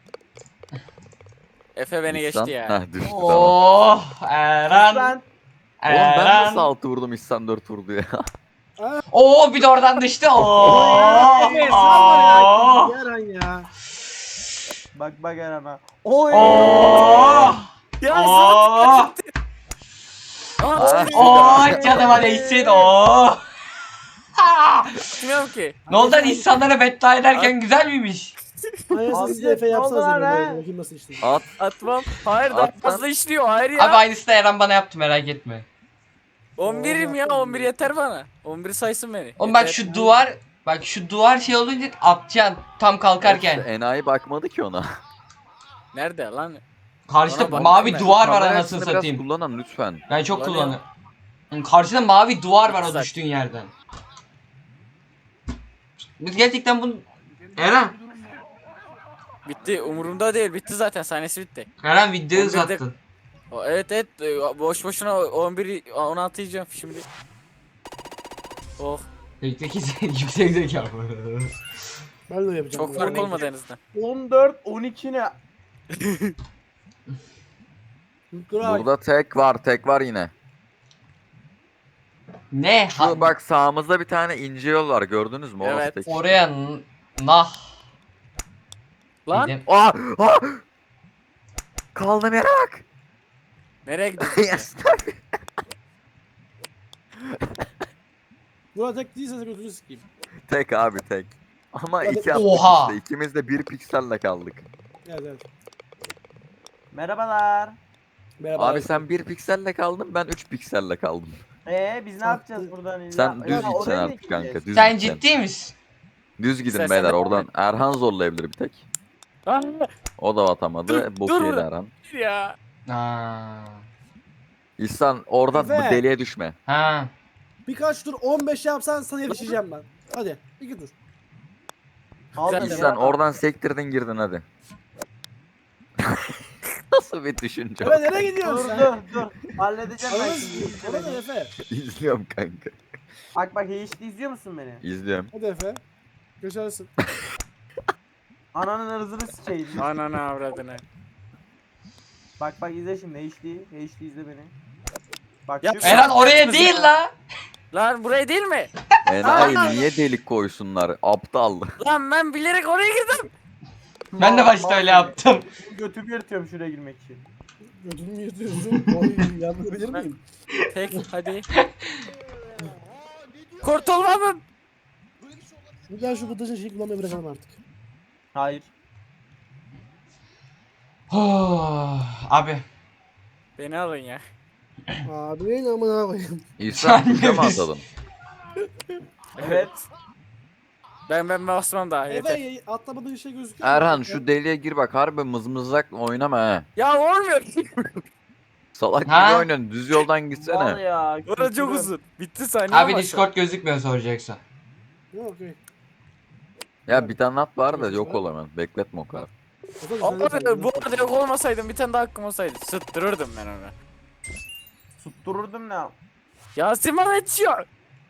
Speaker 5: Efe beni
Speaker 4: İhsan-
Speaker 5: geçti ya.
Speaker 4: Heh, düştü tamam.
Speaker 3: Oh Eren.
Speaker 2: Ben
Speaker 4: Oğlum ben
Speaker 3: Eren.
Speaker 4: nasıl altı vurdum İhsan dört vurdu ya.
Speaker 3: Oo bir de oradan düştü. Oo.
Speaker 1: Evet,
Speaker 3: Oo.
Speaker 1: Yaran ya.
Speaker 2: bak bak Eren'a. Oy.
Speaker 3: Oo.
Speaker 5: Ya
Speaker 3: Oo.
Speaker 5: Aa,
Speaker 3: Oo canıma değsin. Oo.
Speaker 5: bilmiyorum ki.
Speaker 3: Ne oldu lan insanlara beddua ederken güzel miymiş?
Speaker 1: Ayası
Speaker 2: Abi,
Speaker 1: siz de Efe
Speaker 2: ne
Speaker 1: yapsanız
Speaker 2: oldu lan
Speaker 1: ya.
Speaker 2: ha?
Speaker 1: böyle, Bakayım nasıl işte.
Speaker 4: At.
Speaker 5: Atmam. Hayır daha
Speaker 4: At lan.
Speaker 5: fazla işliyor. Hayır ya.
Speaker 3: Abi aynısı da Eren bana yaptı merak etme.
Speaker 5: on birim ya. on bir yeter bana. on bir saysın beni.
Speaker 3: Oğlum bak
Speaker 5: Yeter.
Speaker 3: şu duvar bak şu duvar şey olunca atacaksın tam kalkarken.
Speaker 4: İşte enayi bakmadı ki ona.
Speaker 5: Nerede lan?
Speaker 3: Karşıda
Speaker 5: Ona bak-
Speaker 3: mavi
Speaker 5: ben.
Speaker 3: duvar var
Speaker 4: Kamera
Speaker 3: anasını
Speaker 4: açısını biraz
Speaker 3: satayım.
Speaker 4: kullanan lütfen.
Speaker 3: Ben çok
Speaker 5: Kullanıyorum.
Speaker 3: kullanıyorum. Karşıda mavi duvar var o
Speaker 5: Güzel.
Speaker 3: düştüğün yerden. Biz gerçekten bunu... Eren.
Speaker 5: Bitti. Umurumda değil. Bitti zaten. Sahnesi bitti.
Speaker 3: Eren videoyu
Speaker 5: on birde
Speaker 3: uzattın.
Speaker 5: O, evet evet. e, Boş boşuna on bir on altı yiyeceğim şimdi. Oh.
Speaker 3: Yüksek yüksek zeka.
Speaker 1: Ben de yapacağım.
Speaker 5: Çok
Speaker 1: bunu.
Speaker 5: fark olmadı en azından.
Speaker 2: on dört on iki ne?
Speaker 1: Dur abi.
Speaker 4: Burada tek var, tek var yine.
Speaker 3: Ne? Ha-
Speaker 4: Şu bak sağımızda bir tane ince yol var gördünüz mü? Orası
Speaker 5: Evet.
Speaker 4: tek.
Speaker 3: Oraya n- nah.
Speaker 5: Lan.
Speaker 3: dedim.
Speaker 4: Aa! Aa! Kaldığım yere bak.
Speaker 5: Nereye gidiyorsun?
Speaker 1: Burada tek değilse de götünü sikeyim.
Speaker 4: Tek abi tek. Ama
Speaker 1: Hadi.
Speaker 4: iki attık
Speaker 3: Oha.
Speaker 4: işte. İkimiz de bir pikselle kaldık.
Speaker 1: Evet evet.
Speaker 2: Merhabalar.
Speaker 1: Merhaba.
Speaker 4: Abi sen bir pikselle kaldın, ben üç pikselle kaldım.
Speaker 2: Ee biz ne
Speaker 1: Sattı.
Speaker 2: yapacağız buradan illa?
Speaker 4: Sen düz
Speaker 2: Ya,
Speaker 4: gitsen
Speaker 2: oraya mı
Speaker 4: artık kanka.
Speaker 2: gideceğiz?
Speaker 4: Düz
Speaker 3: Sen
Speaker 4: gitsen.
Speaker 3: ciddi misin?
Speaker 4: Düz gidin
Speaker 5: İstersen
Speaker 4: beyler
Speaker 5: de-
Speaker 4: oradan. Erhan zorlayabilir bir tek.
Speaker 5: Lan
Speaker 4: O da atamadı.
Speaker 5: Dur,
Speaker 4: Bok
Speaker 5: dur
Speaker 4: yedi
Speaker 5: burada.
Speaker 4: Erhan.
Speaker 5: ya.
Speaker 3: Aa.
Speaker 4: İhsan oradan bu
Speaker 1: Efe.
Speaker 4: deliğe düşme.
Speaker 3: Ha.
Speaker 1: Birkaç tur on beş yapsan sana yetişeceğim ben. Hadi iki tur.
Speaker 2: Aldım
Speaker 5: Sen-
Speaker 2: ya.
Speaker 4: İhsan oradan sektirdin girdin hadi. Nasıl bir düşünce?
Speaker 1: Evet nereye gidiyorsun
Speaker 2: Dur
Speaker 1: sen?
Speaker 2: dur dur. Halledeceğim ben
Speaker 1: Anladın
Speaker 2: şimdi.
Speaker 1: mı? Hadi Efe.
Speaker 4: İzliyorum kanka.
Speaker 2: Bak bak hiç izliyor musun beni?
Speaker 4: İzliyorum.
Speaker 1: Hadi Efe. Geçersin.
Speaker 2: Ananın ırzını sikeyim.
Speaker 5: Ananı avradını.
Speaker 2: Bak bak izle şimdi H D. H D izle beni. Bak
Speaker 5: Ya
Speaker 2: şu-
Speaker 3: Eren oraya
Speaker 5: yaptınız
Speaker 3: değil
Speaker 5: ya?
Speaker 3: la.
Speaker 5: Lan burayı değil mi?
Speaker 4: Enayi niye delik koysunlar? Aptal.
Speaker 5: Lan ben bilerek oraya girdim.
Speaker 3: Ben de başta öyle yaptım.
Speaker 2: Götümü yırtıyorum şuraya girmek için.
Speaker 1: Götünü mü yırtıyorsun? Oy yapabilir miyim?
Speaker 5: Tek hadi. Kurtulmamın.
Speaker 1: Bir daha şu bıdacın şeyi kullanmayı bırakalım artık.
Speaker 2: Hayır.
Speaker 3: Abi.
Speaker 5: Beni alın ya.
Speaker 1: Abi ne amına koyayım.
Speaker 4: İhsan
Speaker 3: Sen
Speaker 4: tuşa mı
Speaker 3: neredesin?
Speaker 4: atadın?
Speaker 2: Evet.
Speaker 5: Ben ben basmam daha yeter.
Speaker 1: Efe atlamadığın şey gözüküyor. mu?
Speaker 4: Erhan şu deliğe gir bak harbi mızmızlak oynama he.
Speaker 5: Ya olmuyor.
Speaker 4: Salak
Speaker 3: Ha?
Speaker 4: gibi oynuyorsun düz yoldan
Speaker 2: Var
Speaker 4: gitsene.
Speaker 2: ya.
Speaker 5: Orası çok
Speaker 2: kültürüm.
Speaker 5: uzun. Bitti saniye
Speaker 3: Abi
Speaker 5: ama
Speaker 3: Discord gözükmüyor soracaksa.
Speaker 1: Yok okey.
Speaker 4: Ya bir tane at var da yok ol hemen. Bekletme o kadar.
Speaker 1: O da
Speaker 5: Ama
Speaker 1: güzel bir
Speaker 5: bu arada yok olmasaydım bir tane daha hakkım olsaydı. Sıttırırdım ben onu.
Speaker 2: Tuttururdum ne?
Speaker 5: Yasin bana yetişiyor.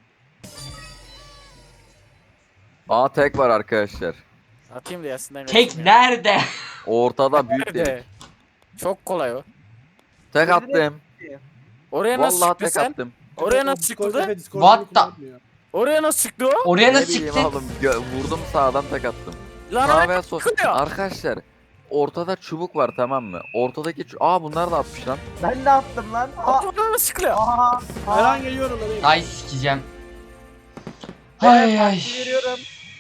Speaker 4: Aa tek var arkadaşlar.
Speaker 5: Atayım da Yasin'den
Speaker 3: Tek
Speaker 5: kaçayım ya.
Speaker 3: nerede?
Speaker 4: Ortada büyük delik.
Speaker 5: Nerede? Çok kolay o.
Speaker 4: Tek attım.
Speaker 5: Oraya nasıl
Speaker 4: Vallahi
Speaker 5: çıktı
Speaker 4: tek
Speaker 5: sen?
Speaker 4: attım.
Speaker 5: Oraya nasıl
Speaker 1: Discord,
Speaker 5: çıktı?
Speaker 1: Efe, Discord
Speaker 3: What
Speaker 1: beni
Speaker 3: the-
Speaker 1: kullanmıyor.
Speaker 5: Oraya nasıl çıktı o?
Speaker 3: Oraya
Speaker 4: Ne
Speaker 3: nasıl
Speaker 4: bileyim
Speaker 3: çıktın?
Speaker 4: oğlum gö- vurdum sağdan tek attım.
Speaker 5: Lan
Speaker 4: Sağ
Speaker 5: oraya
Speaker 4: veya sol.
Speaker 5: çıkıyor.
Speaker 4: Arkadaşlar ortada çubuk var tamam mı? Ortadaki çu- Aa bunlar da atmış lan.
Speaker 2: Ben de attım lan. Aa.
Speaker 5: Oraya nasıl çıkıyor?
Speaker 2: Aha.
Speaker 1: Erhan geliyorum ben.
Speaker 3: Ay sikeceğim.
Speaker 2: Ben
Speaker 3: Ay ay.
Speaker 2: taktiği veriyorum.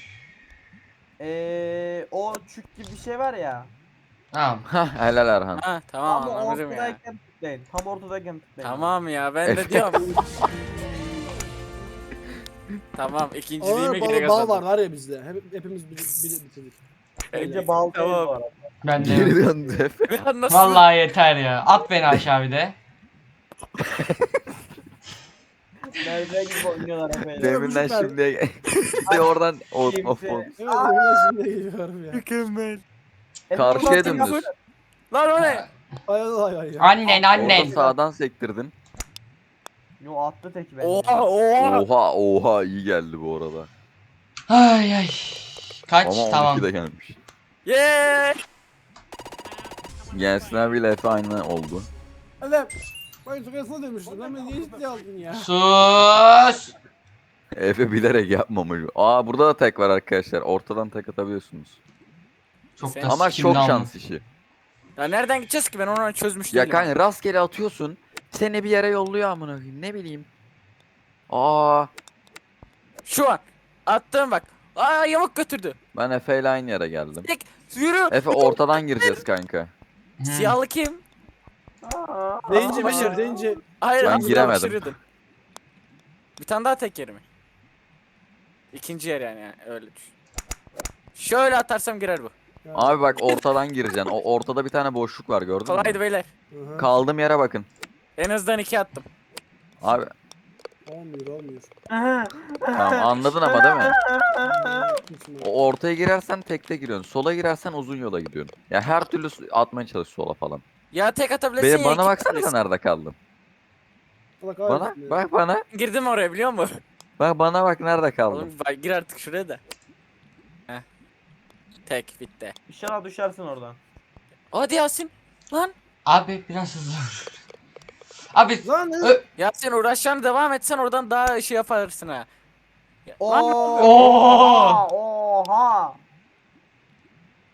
Speaker 2: Eee o çük gibi bir şey var ya.
Speaker 3: Tamam.
Speaker 4: Hah helal Erhan.
Speaker 5: Ha tamam
Speaker 2: Tam
Speaker 5: anladım ya.
Speaker 2: ortadayken tıklayın. Tam ortadayken tıklayın.
Speaker 5: Tamam ya ben de diyorum. Tamam ikinciliğime
Speaker 1: Ağır
Speaker 5: gire
Speaker 1: bal, bal
Speaker 5: kazandım.
Speaker 1: var var ya bizde. Hep, hepimiz bir, bir, bitirdik.
Speaker 2: Bence bal değil
Speaker 5: Tamam.
Speaker 2: bu arada.
Speaker 3: Ben de.
Speaker 4: Geri döndü Efe.
Speaker 5: Bir an nasıl?
Speaker 3: Vallahi yeter ya. At beni aşağı bir de.
Speaker 2: Nerede gibi oynuyorlar efendim.
Speaker 4: Deminden
Speaker 1: süper.
Speaker 4: şimdiye işte oradan of of
Speaker 2: Kimse-
Speaker 4: of.
Speaker 1: Evet ben şimdi geliyorum ya.
Speaker 5: Mükemmel.
Speaker 4: Karşıya
Speaker 2: Efendim,
Speaker 4: dümdüz.
Speaker 5: Lan o ne?
Speaker 1: Hay hay hay.
Speaker 3: Annen
Speaker 4: Orada
Speaker 3: annen.
Speaker 4: sağdan sektirdin.
Speaker 2: Yo attı tek bence.
Speaker 5: Oha oha.
Speaker 4: Oha oha iyi geldi bu arada.
Speaker 3: Ay ay. Kaç?
Speaker 4: Ama
Speaker 3: Tamam.
Speaker 4: on iki de gelmiş.
Speaker 5: Yeee.
Speaker 4: Gelsin abiyle Efe aynı oldu.
Speaker 1: Hadi. Ben sokasına demiştim. Lan beni niye ciddiye aldın ya?
Speaker 3: Sus.
Speaker 4: Efe bilerek yapmamış. Aa burada da tek var arkadaşlar. Ortadan tek atabiliyorsunuz.
Speaker 3: Çok
Speaker 5: Sen-
Speaker 3: da
Speaker 4: Ama
Speaker 3: sikimli
Speaker 4: çok
Speaker 3: ama.
Speaker 4: şans işi.
Speaker 5: Ya nereden gideceğiz ki ben onu çözmüş
Speaker 4: Ya
Speaker 5: değilim.
Speaker 4: kanka rastgele atıyorsun. Seni bir yere yolluyor amına koyayım. Ne bileyim. Aa
Speaker 5: Şu an. Attım bak. Aa yamuk götürdü.
Speaker 4: ben Efe ile aynı yere geldim.
Speaker 5: Tek yürü.
Speaker 4: Efe ortadan gireceğiz kanka.
Speaker 3: Hı.
Speaker 5: Siyahlı kim?
Speaker 2: Aa,
Speaker 1: Zenci
Speaker 2: aa,
Speaker 1: benim
Speaker 5: aa.
Speaker 1: zenci.
Speaker 5: Hayır
Speaker 4: Ben
Speaker 5: az daha
Speaker 4: giremedim.
Speaker 5: düşürüyordum. Bir tane daha tek yerimi. İkinci yer yani, yani öyle düşün. Şöyle atarsam girer bu.
Speaker 1: Ya.
Speaker 4: Abi bak ortadan gireceksin. O ortada bir tane boşluk var gördün
Speaker 5: Kolaydı
Speaker 4: mü?
Speaker 5: beyler.
Speaker 1: Hı hı.
Speaker 4: Kaldığım yere bakın.
Speaker 5: En azından iki attım.
Speaker 4: Abi
Speaker 1: Olmuyor olmuyor.
Speaker 4: tamam anladın ama değil mi?
Speaker 1: Kimsin
Speaker 4: O ortaya girersen tekte giriyorsun. Sola girersen uzun yola gidiyorsun. Ya her türlü s- atmaya çalış sola falan.
Speaker 5: Ya tek atabilirsin
Speaker 4: Be,
Speaker 5: ya
Speaker 4: bana
Speaker 5: iki
Speaker 4: baksana
Speaker 5: atabilirsin.
Speaker 4: nerede kaldın.
Speaker 1: Allah
Speaker 4: Bana
Speaker 1: kahretsin ya.
Speaker 4: bak bana.
Speaker 5: Girdim oraya biliyor musun?
Speaker 4: Bak bana bak nerede kaldın.
Speaker 5: Oğlum bak, gir artık şuraya da. Heh. Tek bitti.
Speaker 2: İnşallah düşersin oradan.
Speaker 5: Hadi Yasin. Lan.
Speaker 3: Abi biraz hızlı. Abi
Speaker 1: Lan ne?
Speaker 3: Ö-
Speaker 5: Yasin uğraşacağını devam etsen oradan daha şey yaparsın ha. Ya- Lan
Speaker 2: Oo.
Speaker 3: Oo.
Speaker 2: Oha.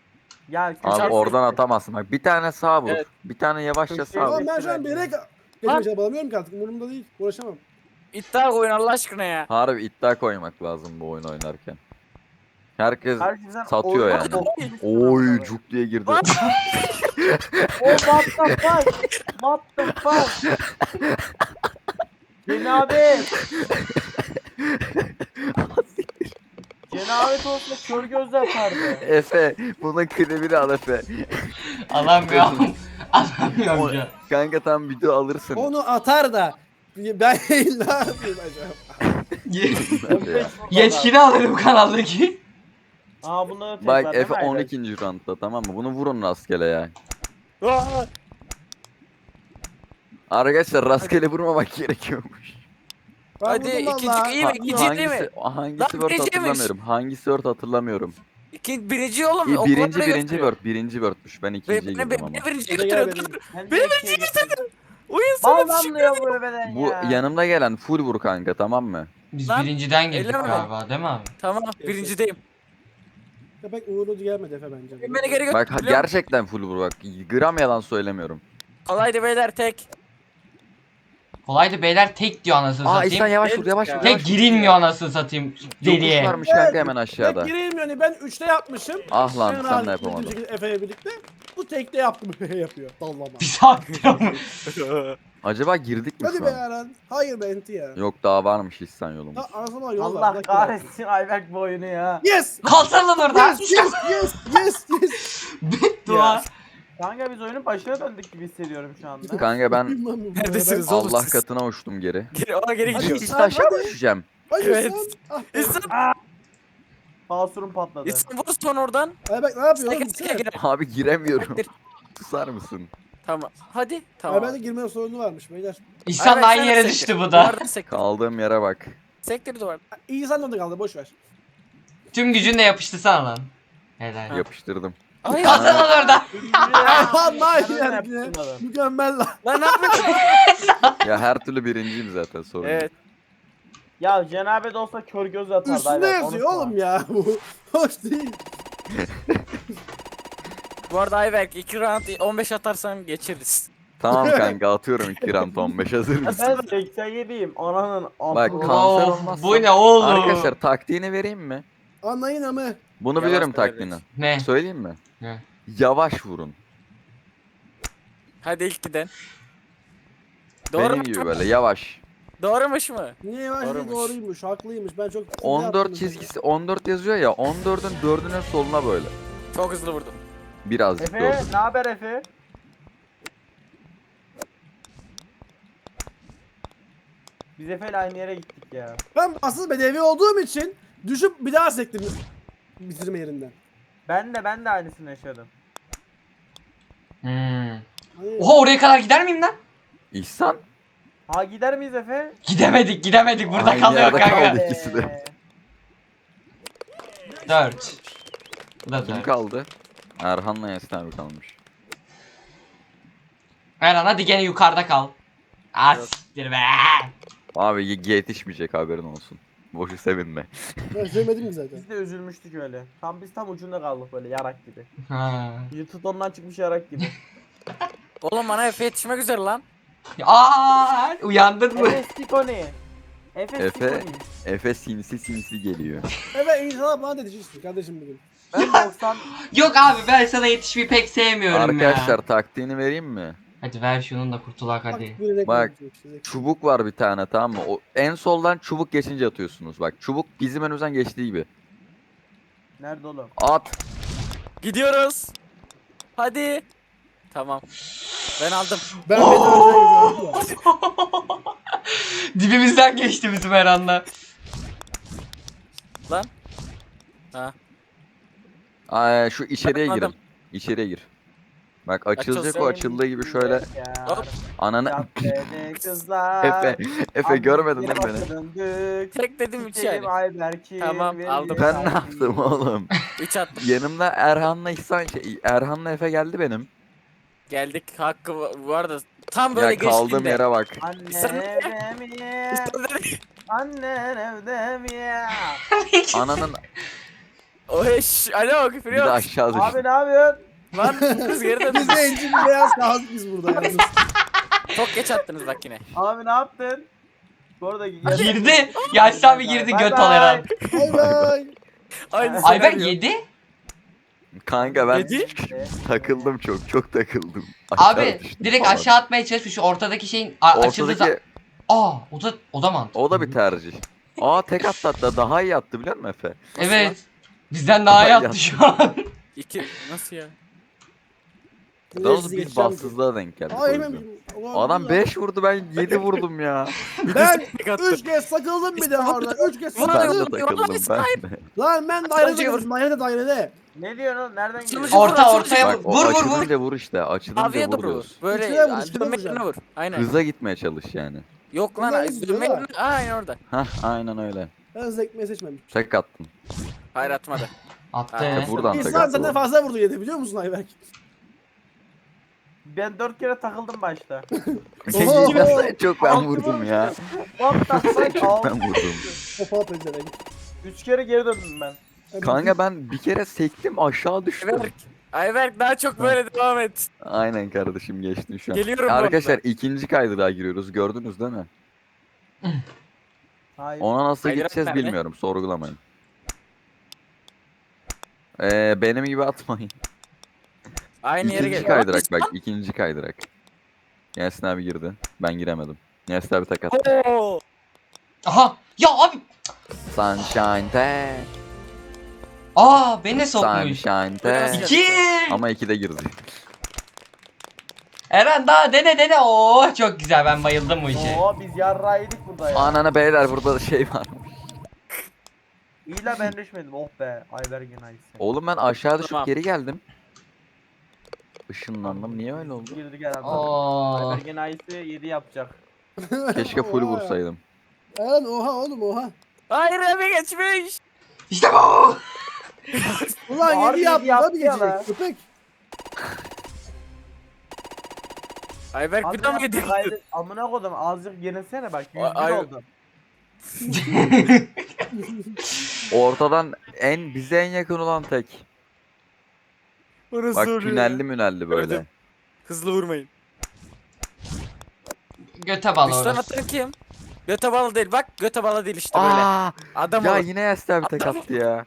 Speaker 2: Gel.
Speaker 4: Abi
Speaker 2: köşe-
Speaker 4: oradan atamazsın. Bak bir tane sağ vur.
Speaker 5: Evet.
Speaker 4: Bir tane yavaşça
Speaker 2: Köşeye
Speaker 4: sağ vur.
Speaker 1: Oğlum ben şu an bir yere geçmeye çabalamıyorum ki artık. Umurumda değil. Uğraşamam.
Speaker 5: İddia koyun Allah aşkına ya.
Speaker 4: Harbi iddia koymak lazım bu oyun oynarken. Herkes
Speaker 2: Kardeşim sen
Speaker 4: satıyor
Speaker 2: oyunu
Speaker 4: yani.
Speaker 2: bokmuşsun
Speaker 4: oy
Speaker 2: amına
Speaker 4: cuk diye girdi.
Speaker 5: Bak.
Speaker 2: Oh what the fuck? What the fuck? Cenabet. Cenabet olsa kör gözle atardı.
Speaker 4: Efe bunun klibini al Efe.
Speaker 3: Alamıyorum. Alamıyorum
Speaker 4: O-
Speaker 3: ya.
Speaker 4: Kanka tam video alırsın.
Speaker 1: Onu atar da ben ne yapayım acaba?
Speaker 4: Ya.
Speaker 3: Yetkili alırım kanaldaki.
Speaker 2: Aa bunları tekrar
Speaker 4: Bak
Speaker 2: değil
Speaker 4: Efe
Speaker 2: mi Ayberk?
Speaker 4: on ikinci roundda tamam mı? Bunu vurun rastgele ya.
Speaker 1: Aa,
Speaker 4: Arkadaşlar rastgele vurmamak gerekiyormuş.
Speaker 1: ben
Speaker 5: Hadi,
Speaker 1: vurdum
Speaker 5: ikinci
Speaker 1: vallahi.
Speaker 5: iyi mi?
Speaker 4: Ha-
Speaker 5: İkinci değil mi?
Speaker 4: hangisi, hangisi
Speaker 5: Lan
Speaker 4: word
Speaker 5: birinciymiş.
Speaker 4: hatırlamıyorum. Hangisi word hatırlamıyorum.
Speaker 5: İki, birinci oğlum.
Speaker 4: İyi,
Speaker 5: oklar
Speaker 4: birinci
Speaker 5: öyle
Speaker 4: birinci
Speaker 5: gösteriyor.
Speaker 4: word. Birinci wordmuş. Ben
Speaker 5: Be-
Speaker 4: ikinciye
Speaker 5: be-
Speaker 4: girdim
Speaker 5: be-
Speaker 4: ama.
Speaker 5: Beni birinciye
Speaker 1: Hadi gel
Speaker 5: götürüyor.
Speaker 1: benim.
Speaker 2: Ben
Speaker 5: Beni
Speaker 2: de
Speaker 5: birinciye
Speaker 2: şey-
Speaker 5: götürdün. Oyun sana bir şey
Speaker 2: Bağlanmıyor bu beden
Speaker 4: Bu
Speaker 2: ya.
Speaker 4: yanımda gelen full vur kanka tamam mı?
Speaker 3: Biz
Speaker 5: Lan,
Speaker 3: birinciden girdik
Speaker 5: elleme beni.
Speaker 3: galiba değil mi abi?
Speaker 5: Tamam birincideyim.
Speaker 1: Köpek uğurlu gelmedi Efe bence.
Speaker 5: Beni geri
Speaker 4: Bak
Speaker 5: götür.
Speaker 4: gerçekten full vur bak. Gram yalan söylemiyorum.
Speaker 5: Kolaydı beyler tek.
Speaker 3: Kolaydı beyler tek diyor anasını
Speaker 4: Aa
Speaker 3: satayım.
Speaker 4: İhsan yavaş vur
Speaker 5: Evet
Speaker 4: yavaş
Speaker 5: ya.
Speaker 4: vur.
Speaker 3: Tek
Speaker 4: yavaş vur.
Speaker 3: girilmiyor anasını satayım deliye.
Speaker 4: Yokuş varmış kanka hemen aşağıda.
Speaker 1: Tek gireyim yani ben üçte yapmışım.
Speaker 4: Ah lan
Speaker 1: Ben
Speaker 4: sen de
Speaker 1: abi
Speaker 4: yapamadın.
Speaker 1: bildiğim şekilde Efe'yle birlikte. Bu tekte yaptım yapıyor. Dallama.
Speaker 3: Bir saat diyor mu?
Speaker 4: Acaba girdik mi
Speaker 1: Hadi
Speaker 4: şu
Speaker 1: be
Speaker 4: an?
Speaker 1: Eren. Hayır be Enti ya.
Speaker 4: Yok daha varmış İhsan yolumuz.
Speaker 1: Ha, anasını yol var.
Speaker 2: Allah
Speaker 1: Bırak
Speaker 2: kahretsin Ayberk bu oyunu ya.
Speaker 1: Yes!
Speaker 3: Kalsana lan orada.
Speaker 1: Yes! Yes! Yes! Yes! Yes!
Speaker 3: Dua.
Speaker 2: Kanka biz oyunun başına döndük gibi hissediyorum şu anda.
Speaker 4: Kanka ben
Speaker 1: Bilmem bu
Speaker 5: Neredesiniz
Speaker 1: arada.
Speaker 5: oğlum
Speaker 4: Allah
Speaker 5: siz?
Speaker 4: katına uçtum geri.
Speaker 5: Geri, ona geri
Speaker 1: Hadi.
Speaker 5: gidiyoruz.
Speaker 4: İhsan aşağı mı düşeceğim?
Speaker 1: Hayır
Speaker 5: Evet.
Speaker 1: sen. Ah,
Speaker 5: İnsan,
Speaker 2: Basurum patladı.
Speaker 5: insan vur son oradan.
Speaker 1: Ay bak ne yapıyor oğlum?
Speaker 5: Seke seke
Speaker 1: Gitsene.
Speaker 5: gir.
Speaker 4: Abi giremiyorum.
Speaker 5: Gir.
Speaker 4: Susar mısın?
Speaker 5: Tamam. Hadi.
Speaker 1: Ay
Speaker 5: Tamam.
Speaker 1: bende girme sorunu varmış beyler.
Speaker 3: İhsan da aynı yere düştü bu da.
Speaker 5: Duvardan sektir.
Speaker 4: Kaldığım yere bak.
Speaker 5: Sektir duvar.
Speaker 1: İyi sen de kaldı boş ver.
Speaker 3: Tüm gücünle yapıştı sana lan. Helal.
Speaker 4: Yapıştırdım.
Speaker 5: Ay
Speaker 3: Kalsana lan orada.
Speaker 1: Vallahi
Speaker 2: Ben öyle
Speaker 1: yani.
Speaker 2: yaptım adam.
Speaker 1: Mükemmel lan.
Speaker 5: lan ne yapıyorsun?
Speaker 4: Ya her türlü birinciyim zaten sorun. yok.
Speaker 5: Evet.
Speaker 2: Ya cenabet olsa kör göz atardı.
Speaker 1: Üstünde
Speaker 2: Ayberk,
Speaker 1: yazıyor
Speaker 2: unutma.
Speaker 1: oğlum ya bu. Hoş değil.
Speaker 5: Bu arada Ayberk iki round on beş atarsan geçeriz.
Speaker 4: Tamam kanka atıyorum iki round on beş hazır
Speaker 2: Ya
Speaker 4: mısın?
Speaker 2: ben seksen yediyim. Ananın
Speaker 4: Bak,
Speaker 2: amına.
Speaker 4: kanser
Speaker 3: Of,
Speaker 4: olmazsa-
Speaker 3: bu ne oğlum?
Speaker 4: Arkadaşlar taktiğini vereyim mi?
Speaker 1: Anlayın ama.
Speaker 4: Bunu
Speaker 5: Yavaş
Speaker 4: biliyorum
Speaker 5: söyle.
Speaker 4: taktiğini.
Speaker 3: Ne?
Speaker 4: Söyleyeyim mi?
Speaker 3: Ne?
Speaker 4: Yavaş vurun.
Speaker 5: Hadi ilk giden. Doğru
Speaker 4: Benim
Speaker 5: mu?
Speaker 4: gibi böyle yavaş.
Speaker 5: Doğrumuş mu?
Speaker 1: Niye yavaş değil
Speaker 5: Doğrumuş.
Speaker 1: doğruymuş haklıymış ben çok
Speaker 4: on dört çizgisi on dört yazıyor ya on dördün dördünün soluna böyle.
Speaker 5: Çok hızlı vurdum.
Speaker 4: Birazcık
Speaker 2: Efe
Speaker 4: gördüm.
Speaker 2: ne haber Efe? Biz Efe'yle aynı yere gittik ya.
Speaker 1: Ben asıl bedevi olduğum için düşüp bir daha sektim bitirme yerinden.
Speaker 2: Ben de ben de aynısını yaşadım.
Speaker 3: Hmm.
Speaker 1: Hani-
Speaker 3: Oha oraya kadar gider miyim lan?
Speaker 4: İhsan
Speaker 2: Ha gider miyiz Efe?
Speaker 3: Gidemedik gidemedik burada
Speaker 4: Aynı
Speaker 3: kalıyor
Speaker 4: yerde
Speaker 3: kanka.
Speaker 4: kaldık. İkisi de.
Speaker 2: Ee,
Speaker 3: Dört. Bu da
Speaker 4: kim
Speaker 3: dört.
Speaker 4: kaldı? Erhan'la Yasin abi kalmış.
Speaker 3: Erhan hadi gene yukarıda kal. Ah siktir be.
Speaker 4: Abi y- yetişmeyecek haberin olsun. Boşu sevinme.
Speaker 1: Ben sevmedim ki zaten.
Speaker 2: Biz de üzülmüştük öyle. Tam biz tam ucunda kaldık böyle yarak gibi.
Speaker 3: Ha.
Speaker 2: Yırtıt ondan çıkmış yarak gibi.
Speaker 5: Oğlum bana Efe yetişmek üzere lan.
Speaker 3: Aa, uyandın mı?
Speaker 2: Efe Stikoni. Efe
Speaker 4: Efe.
Speaker 2: Stikoni.
Speaker 4: Efe sinsi sinsi geliyor.
Speaker 1: Evet inşallah bana dedişirsin kardeşim bugün.
Speaker 2: Ben doksan.
Speaker 3: Yok abi ben sana yetişmeyi pek sevmiyorum
Speaker 4: Arkadaşlar
Speaker 3: ya.
Speaker 4: taktiğini vereyim mi?
Speaker 3: Hadi ver şunun da kurtulak hadi.
Speaker 1: bir renk
Speaker 4: Bak.
Speaker 1: olacak işte.
Speaker 4: Çubuk var bir tane tamam mı? O en soldan çubuk geçince atıyorsunuz. Bak çubuk bizim önümüzden geçtiği gibi.
Speaker 2: Nerede oğlum?
Speaker 4: At.
Speaker 5: Gidiyoruz. Hadi. Tamam. Ben aldım.
Speaker 1: Ben beni özel gidiyorum.
Speaker 3: Dibimizden geçti bizim Erhan'la.
Speaker 5: Lan. Ha.
Speaker 4: Ay, şu içeriye girin.
Speaker 5: Anladım.
Speaker 4: İçeriye gir. Bak açılacak
Speaker 5: Açılsın.
Speaker 4: o açıldığı gibi şöyle
Speaker 2: Ya.
Speaker 5: Hop.
Speaker 4: ananı
Speaker 2: Caddede kızlar.
Speaker 4: Efe Efe görmedin değil mi
Speaker 2: Abdülkerim
Speaker 4: beni?
Speaker 2: döndük.
Speaker 5: Tek dedim üç
Speaker 2: Gidelim
Speaker 5: yani.
Speaker 2: Ayberk'im,
Speaker 5: Tamam,
Speaker 2: verelim
Speaker 5: aldım.
Speaker 4: Ben ne
Speaker 2: Ayberk'im.
Speaker 4: yaptım oğlum?
Speaker 5: üç attım.
Speaker 4: Yanımda Erhan'la İhsan şey, Erhan'la Efe geldi benim.
Speaker 5: Geldik hakkı va- bu arada tam böyle
Speaker 4: Ya kaldığım
Speaker 5: geçtiğinde.
Speaker 4: yere bak.
Speaker 2: Annen
Speaker 5: Sen-
Speaker 2: evde mi? Annen evde mi?
Speaker 4: Ananın
Speaker 5: O eş. Alo küfür
Speaker 4: Bir de
Speaker 5: yok.
Speaker 4: aşağı
Speaker 2: Abi
Speaker 4: düştüm.
Speaker 2: ne yapıyorsun?
Speaker 5: Lan kız geri dön.
Speaker 1: Biz de enci bir beyaz kaldık biz burada yalnız.
Speaker 5: Çok geç attınız bak yine.
Speaker 2: Abi ne yaptın? Bu arada
Speaker 3: Girdi. Yaşlı abi girdi
Speaker 2: Bay
Speaker 3: göt
Speaker 2: bay.
Speaker 3: ol Eren.
Speaker 1: Bay bay.
Speaker 5: Aynı
Speaker 3: Ayberk
Speaker 5: senaryo.
Speaker 3: yedi.
Speaker 4: Kanka ben
Speaker 5: Yedi.
Speaker 4: takıldım çok çok takıldım. Aşağı
Speaker 3: Abi
Speaker 4: düştüm
Speaker 3: direkt
Speaker 4: falan.
Speaker 3: aşağı atmaya çalışmış. Şu ortadaki şeyin a- açıldığı zaman.
Speaker 4: Ortadaki
Speaker 3: Aa o da o da mantıklı.
Speaker 4: o da bir tercih. Aa tek attı hatta daha iyi attı biliyor musun Efe?
Speaker 3: Evet. Bizden daha iyi
Speaker 4: Ay,
Speaker 3: attı şu an.
Speaker 5: İki. Nasıl ya?
Speaker 4: Daha
Speaker 1: Sizi
Speaker 4: bir
Speaker 1: geçeceğim.
Speaker 4: bassızlığa denk geldik. o
Speaker 1: Ay
Speaker 4: yüzden.
Speaker 1: hemen. Ulan
Speaker 4: Adam
Speaker 1: ya.
Speaker 4: beş vurdu ben yedi vurdum ya.
Speaker 1: Ben
Speaker 5: Tek attı.
Speaker 1: üç kez takıldım bir de orada. Üç kez
Speaker 5: Vay
Speaker 4: Ben de
Speaker 1: takıldım.
Speaker 4: takıldım ben de.
Speaker 1: Lan ben dairede vurdum. Dairede dairede.
Speaker 2: Ne diyorsun oğlum? Nereden
Speaker 5: Açılış-
Speaker 2: geliyorsun?
Speaker 3: Orta
Speaker 5: vur,
Speaker 3: ortaya
Speaker 4: Bak
Speaker 3: vur.
Speaker 4: o
Speaker 3: Vur vur vur.
Speaker 4: açılınca vur işte açılınca
Speaker 5: Abiye
Speaker 4: vur
Speaker 5: doğru vur.
Speaker 4: diyoruz.
Speaker 5: Böyle
Speaker 1: İçine vur, içine
Speaker 5: dönmek
Speaker 1: vuracaksın.
Speaker 5: yerine vur. Aynen.
Speaker 4: Hıza gitmeye çalış yani.
Speaker 5: Yok lan.
Speaker 1: Bunlar hızlı
Speaker 5: Dönmek
Speaker 1: diyorlar.
Speaker 5: yerine. Aynen orada.
Speaker 4: Hah aynen öyle.
Speaker 1: Ben zekmeyi seçmedim.
Speaker 4: Tek attım.
Speaker 5: Hayır atmadı.
Speaker 3: Attı.
Speaker 5: Ha,
Speaker 4: Buradan tek
Speaker 1: İnsan senden
Speaker 4: attım.
Speaker 1: fazla vurdu yedi biliyor musun Ayberk?
Speaker 2: Ben dört kere takıldım başta.
Speaker 1: Oho.
Speaker 4: Çok ben vurdum ya.
Speaker 2: What the fuck?
Speaker 4: Çok ben vurdum.
Speaker 1: Topa pezevenk.
Speaker 2: Üç kere geri döndüm ben.
Speaker 4: Kanka ben bir kere sektim aşağı düştüm.
Speaker 5: Ayberk. Ayberk daha çok böyle devam et.
Speaker 4: Aynen kardeşim geçtim şu an.
Speaker 5: Geliyorum bu
Speaker 4: Arkadaşlar
Speaker 5: arada.
Speaker 4: ikinci kaydırağa giriyoruz gördünüz değil mi?
Speaker 2: Hayır.
Speaker 4: Ona nasıl
Speaker 5: Kaydırak
Speaker 4: gideceğiz
Speaker 5: nerede?
Speaker 4: bilmiyorum sorgulamayın. Ee, benim gibi atmayın.
Speaker 5: Aynı yere
Speaker 4: İkinci
Speaker 5: gel.
Speaker 4: kaydırak bak ikinci kaydırak. Yasin abi girdi. Ben giremedim. Yasin abi tek attı.
Speaker 5: Oo.
Speaker 3: Aha. Ya abi.
Speaker 4: Sunshine te.
Speaker 3: Aa beni de sokmuş.
Speaker 4: Sunshine te.
Speaker 3: İki.
Speaker 4: Ama ikide girdi.
Speaker 3: Eren daha dene dene. Oo çok güzel ben bayıldım bu işe.
Speaker 2: Oo biz yarra yedik burada ya.
Speaker 4: Ananı beyler burada da şey var.
Speaker 2: İyi la ben düşmedim. Oh be. Ayberk'in ayısı.
Speaker 4: Oğlum ben aşağı düşüp
Speaker 5: Tamam.
Speaker 4: geri geldim. Işınlandım. Niye öyle oldu?
Speaker 2: Girdik herhalde.
Speaker 3: Oo.
Speaker 2: Ayberk'in ayısı yedi yapacak.
Speaker 4: Keşke full
Speaker 1: Oha ya.
Speaker 4: vursaydım.
Speaker 1: Eren oha oğlum oha.
Speaker 5: Hayır abi geçmiş.
Speaker 3: İşte bu.
Speaker 1: Ulan
Speaker 2: Harbi
Speaker 1: yedi yaptı
Speaker 2: yaptı
Speaker 1: tabii
Speaker 2: ya lan.
Speaker 1: geçecek. Köpek.
Speaker 5: Ayberk bir daha mı gidiyor?
Speaker 2: Haydi, amına kodum azıcık yenilsene bak. yüz bir
Speaker 5: Ay-
Speaker 2: oldu.
Speaker 4: Ortadan en bize en yakın olan tek.
Speaker 5: Orası
Speaker 4: Bak
Speaker 5: oluyor ya.
Speaker 4: tünelli münelli böyle.
Speaker 5: Gördüm. Hızlı vurmayın.
Speaker 3: Göte bağlı
Speaker 5: Üçten
Speaker 3: orası.
Speaker 5: atan kim? Göte balı değil bak. Göte balı değil işte böyle.
Speaker 4: Aa,
Speaker 5: Adam
Speaker 4: ya
Speaker 5: olur.
Speaker 4: yine Yasin abi tek attı ya.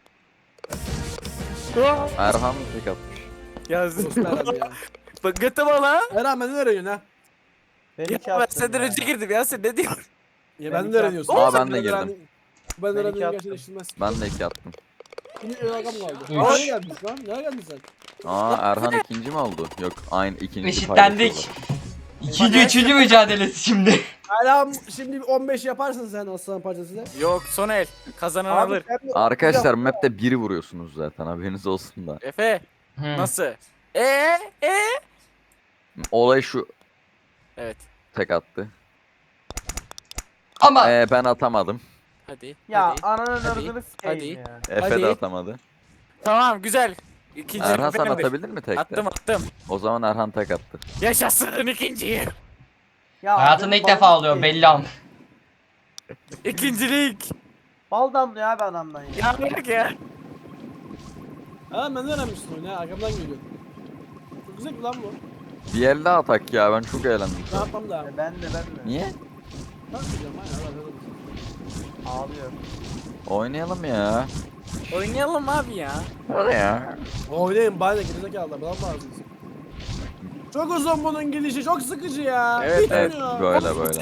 Speaker 4: Erhan tek atmış.
Speaker 5: Yazdım.
Speaker 1: Dostlar abi ya.
Speaker 5: Bak göte balı ha.
Speaker 1: Eren benden öğreniyorsun ha.
Speaker 2: Ben
Speaker 5: Ya
Speaker 2: iki
Speaker 5: ben
Speaker 2: attım
Speaker 5: senden
Speaker 2: ya.
Speaker 5: önce girdim ya sen ne diyorsun?
Speaker 1: Ya
Speaker 2: Ben
Speaker 1: benden
Speaker 2: iki
Speaker 1: öğreniyorsun.
Speaker 4: attım. Aa, ben de
Speaker 1: Ben
Speaker 4: girdim.
Speaker 1: öğrendim. Ben
Speaker 2: Ben iki
Speaker 1: öğrendiğimi
Speaker 2: attım.
Speaker 1: gerçekleştirmez.
Speaker 4: Ben de iki attım.
Speaker 1: Yine bir rakam kaldı.
Speaker 3: Üç.
Speaker 1: Aa, nereye geldin lan? Nereye geldin sen?
Speaker 4: Aa Erhan ikinci mi oldu? Yok aynı ikinci
Speaker 3: Eşitlendik.
Speaker 4: paylaşıyorlar.
Speaker 3: İkinci üçüncü mücadelesi şimdi.
Speaker 1: Hala şimdi bir on beş yaparsın sen aslan parçasıyla.
Speaker 5: Yok son el. Kazanan
Speaker 2: Abi
Speaker 5: alır.
Speaker 2: sen de-
Speaker 4: Arkadaşlar map'te biri vuruyorsunuz zaten haberiniz olsun da.
Speaker 5: Efe
Speaker 3: Hı.
Speaker 5: nasıl? Eee ee?
Speaker 4: Olay şu
Speaker 5: Evet.
Speaker 4: tek attı.
Speaker 3: Ama
Speaker 4: Ee, ben atamadım.
Speaker 5: Hadi.
Speaker 2: Ya
Speaker 5: hadi.
Speaker 2: ananın
Speaker 5: Hadi,
Speaker 2: ırzını sikeyim
Speaker 5: hadi.
Speaker 2: ya.
Speaker 4: Efe
Speaker 5: Hadi.
Speaker 4: de atamadı.
Speaker 5: Tamam güzel. İkinci
Speaker 4: Erhan sen
Speaker 5: benimdir.
Speaker 4: atabilir mi tekte?
Speaker 5: Attım attım.
Speaker 4: O zaman Erhan tek attı.
Speaker 5: Yaşasın ikinciyi.
Speaker 2: Ya
Speaker 3: hayatında
Speaker 2: benim
Speaker 3: ilk defa
Speaker 2: balım
Speaker 3: oluyor
Speaker 2: sikeyim.
Speaker 3: belli an.
Speaker 5: İkincilik.
Speaker 2: Bal damlıyor abi adamdan ya.
Speaker 5: Ya bırak ya.
Speaker 1: Ha benden öğrenmişsin oyunu ha. Arkamdan geliyor. Çok güzel bir lan bu.
Speaker 4: Bir elde atak ya ben çok eğlendim.
Speaker 1: Ne yapmam da.
Speaker 2: Ben de ben de.
Speaker 4: Niye?
Speaker 1: Ben yapacağım ha. ya, ben de-
Speaker 2: Ağlıyor.
Speaker 4: Oynayalım ya.
Speaker 5: Oynayalım abi ya.
Speaker 4: Hadi ya.
Speaker 1: Oynayın bari de gerizekalılar. Bana bağırsınız. Çok uzun bunun gidişi. Çok sıkıcı ya.
Speaker 5: Evet,
Speaker 1: Bitmiyor.
Speaker 4: Evet böyle böyle.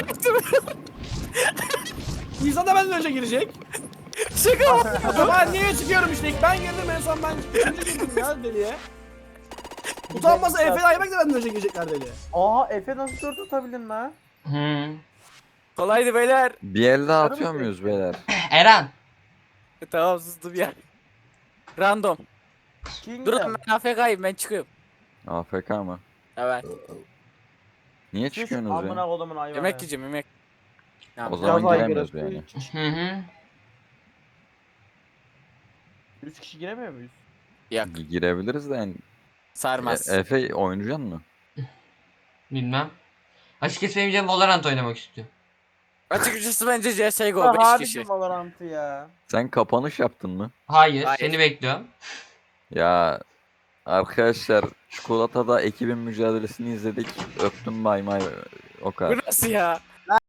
Speaker 1: İnsan da benden önce girecek.
Speaker 5: Şaka mı?
Speaker 1: O zaman niye çıkıyorum işte? İlk ben girdim en son ben üçüncü girdim ya deliye. Utanmasa Efe Ayberk de benden önce girecekler deliye.
Speaker 2: Aha Efe nasıl dört atabildin lan?
Speaker 3: Hı.
Speaker 5: Kolaydı beyler.
Speaker 4: Bir elde atıyor muyuz beyler?
Speaker 3: Eren.
Speaker 5: E, tamam sustum ya. Random.
Speaker 2: Kingdom.
Speaker 5: Durun ben A F K'yim ben çıkıyorum.
Speaker 4: A F K mı?
Speaker 5: Evet.
Speaker 4: Niye
Speaker 2: Sus,
Speaker 4: çıkıyorsunuz
Speaker 2: amına
Speaker 4: ya?
Speaker 2: kodumun hayvanı.
Speaker 5: Yemek yiyeceğim yemek. Ya,
Speaker 4: O zaman
Speaker 2: Biraz
Speaker 4: giremiyoruz
Speaker 2: aygırı.
Speaker 4: yani.
Speaker 3: Hı hı.
Speaker 2: Üç kişi giremiyor muyuz?
Speaker 5: Yok
Speaker 4: Girebiliriz de yani.
Speaker 5: sarmaz.
Speaker 4: E- Efe oynayacaksın mı?
Speaker 3: Bilmem. Açıkçası benim canım Valorant oynamak istiyor.
Speaker 5: Açıkçası bence C S G O beş
Speaker 2: Harbi
Speaker 5: kişi.
Speaker 2: Valorant'ı ya.
Speaker 4: Sen kapanış yaptın mı?
Speaker 3: Hayır,
Speaker 5: Hayır.
Speaker 3: seni bekliyorum.
Speaker 4: Ya arkadaşlar çikolatada ekibin mücadelesini izledik. Öptüm bay bay. O kadar.
Speaker 5: Bu nasıl ya?